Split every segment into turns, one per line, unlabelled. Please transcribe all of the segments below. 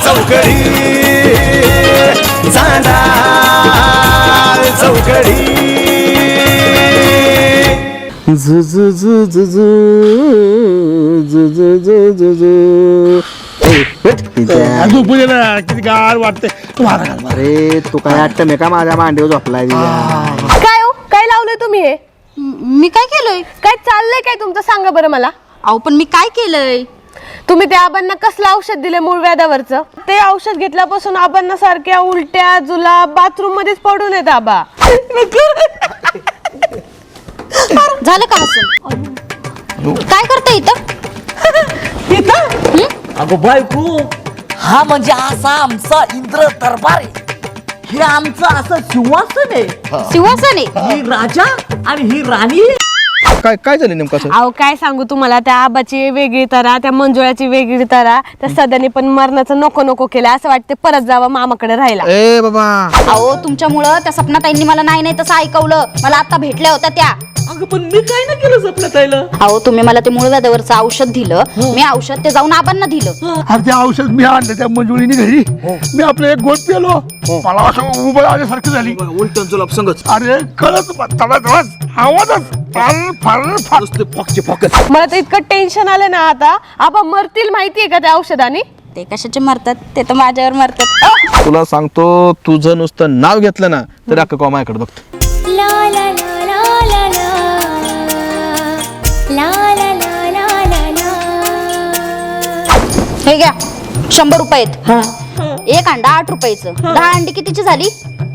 चौकडी चांदाळ चौकडी
किती गार वाटते.
अरे तू काय वाटतं मी का माझ्या मांडीवर झोपलाय
काय हो काय लावलंय तुम्ही हे?
मी काय केलंय?
काय चाललंय काय तुमचं सांगा बरं मला.
अहो पण मी काय केलंय?
तुम्ही त्या आबांना कसलं औषध दिले मूळ व्याधावरचं? ते औषध घेतल्यापासून आबांना सारख्या उलट्या जुलाब बाथरूम मध्येच पडून येत आबा.
झालं का हसून? काय करता इथं?
अगो बायको, हा म्हणजे असा आमचा इंद्र दरबार आहे. हे आमचं असं सिंहासन आहे.
सिंहासन आहे.
ही राजा आणि ही राणी.
काय काय झालं नेमकं असं?
अहो काय सांगू तुम्हाला, त्या आबाची वेगळी तरा त्या मंजुळाची वेगळी तरा. त्या सदाने पण मरणाचं नको नको केलं. असं वाटते परत जावं मामाकडे राहायला.
ए बाबा
अहो तुमच्यामुळं त्या सपनाताईंनी मला नाही तसं ऐकवलं. मला आता भेटल्या होत्या त्या.
अगं पण मी काय नाही केलं सपना ताईला.
अहो तुम्ही मला ते मूळ व्याधावरचं औषध दिलं. मी औषध ते जाऊन आबांना दिलं.
अरे ते औषध मी आणलं त्या मंजुळीने घरी. मी आपलं एक गोट पेलो. मला असं उभं आल्यासारखी झाली.
उलटून जुलाब संगच
अरे कळत तडाच आवाजच
फॉकचे फॉकस.
मला तर इतकं टेन्शन आलं ना आता. आबा मरतील माहितीये का त्या औषधाने?
ते कशाचे मरतात? ते तर माझ्यावर मरतात.
तुला सांगतो तुझं नुसतं नाव घेतलं ना तर अख्खा कॉ माझ्याकडे बघतो.
हे घ्या 100 रुपये आहेत. एक अंडा 8 रुपयाचं. 10 अंडी कितीची झाली?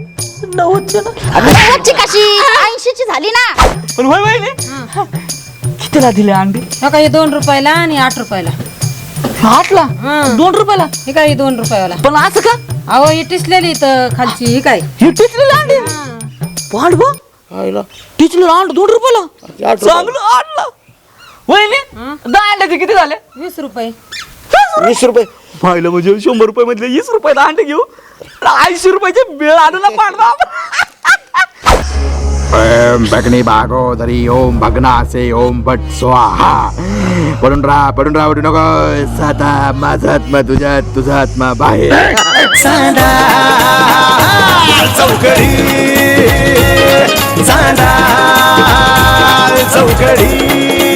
90ची कशी? 80ची झाली ना.
पण होय होय कितीला दिले अंडी?
काही 2 रुपयाला आणि 8 रुपयाला.
8ला 2 रुपयाला.
हे काय 2 रुपयाला.
पण असं का?
अहो ही टिचलेली तर खालची ही काय
ही टिचलेली अंडी. पांडवा टिचलेलं अंड 2 रुपयाला. चांगलं आणलं. वहिनी 10 अंड्याचे किती झाले?
20 रुपये.
20 रुपये
पाहिलं म्हणजे 100 रुपये मधले 20 रुपयाला अंडे घेऊ. 80 रुपयाचे बिळ आणू ना पांडवा.
ओम भगनी भागोदरी ओम भगनासे ओम भट स्वाहा. पडून राहा उठू नको. साता माझा आत्मा तुझ्यात तुझा आत्मा बाहेर.
चांदाळ चौकडी चांदाळ चौकडी